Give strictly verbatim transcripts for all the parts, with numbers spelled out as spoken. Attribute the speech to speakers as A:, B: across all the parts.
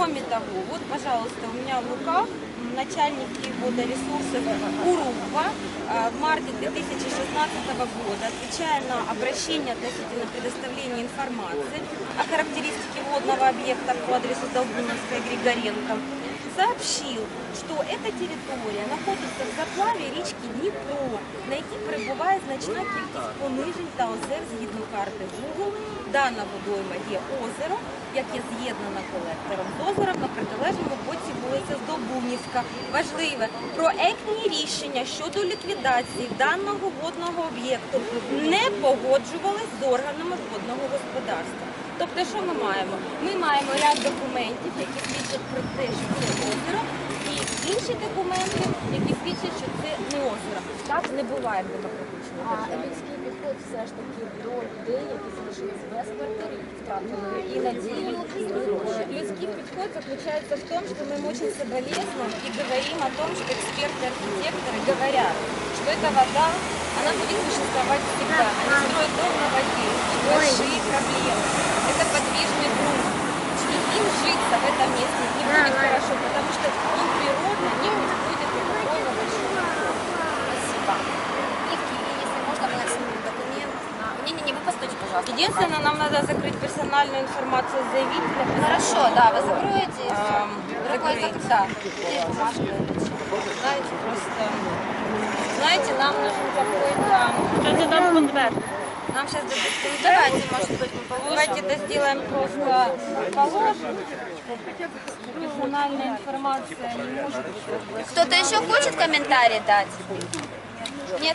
A: Кроме того, вот, пожалуйста, у меня в руках начальники водоресурсов УРУПа в марте две тысячи шестнадцатого года, отвечая на обращение относительно предоставления информации о характеристике водного объекта по адресу Долгуновской Григоренко, сообщил, что эта територія знаходиться в заплаві річки Дніпро, на якій перебуває значна кількість понижень та озер згідно карти Google. Дана водойма є озеро, яке з'єднано колектором з озером на протилежному боці вулиця Здолбунівська. Важливе, проектні рішення щодо ліквідації даного водного об'єкту не погоджувались з органами водного господарства. Тобто, що ми маємо? Ми маємо ряд документів, які свідчать про те, що це озеро, і інші документи, які свідчать, що це не озеро. Так не буває в демократичній
B: А
A: державі.
B: людський підход все ж таки до людей, які залишились без квартири, втратили і надію, і гроші.
A: Людский подход заключается в том, что мы очень соболезнуем и говорим о том, что эксперты-архитекторы говорят, что эта вода, она будет существовать всегда. Они строят дом на воде, большие проблемы. Это подвижный грунт. Им житься в этом месте не будет хорошо, потому что он природно не подходит до такого большого.
B: Спасибо. И, если можно, мы снимем документ. Не-не-не, вы постойте, пожалуйста.
A: Единственное, нам надо закрыть персональную информацию заявителя.
B: Хорошо, да, вы закроете.
A: Эм,
B: Какой
A: закрыть.
B: закрыть? Да. Здесь бумажка.
A: Знаете, просто, знаете, нам нужен какой-то...
C: Що це там конверт?
A: Нам сейчас дадут конверт.
B: Давайте, может быть, мы положим.
A: Давайте это сделаем просто положим. Персональная информация не может быть.
B: Кто-то еще хочет комментарий дать? Нет?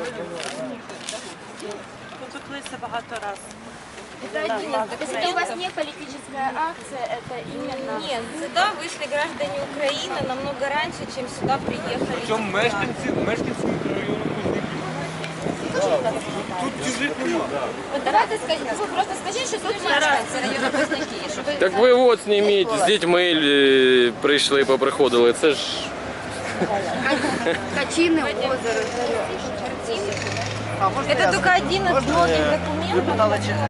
C: Тут клеїться багато раз.
A: Это один из
B: Если у
A: документов.
B: вас не политическая акция, это именно...
A: Нет, сюда вышли граждане Украины намного раньше, чем сюда приехали.
D: Причому мешканці, мешканці мікрорайону Позняків. Тут чужих нема.
B: Вот давайте скажите, вы просто скажите, что тут мешканцы району Позняків, щоб...
E: Так ви от зніміть, з дітьми е, прийшли, поприходили, це ж...
B: Качины, озеро,
A: Это только один из многих документов.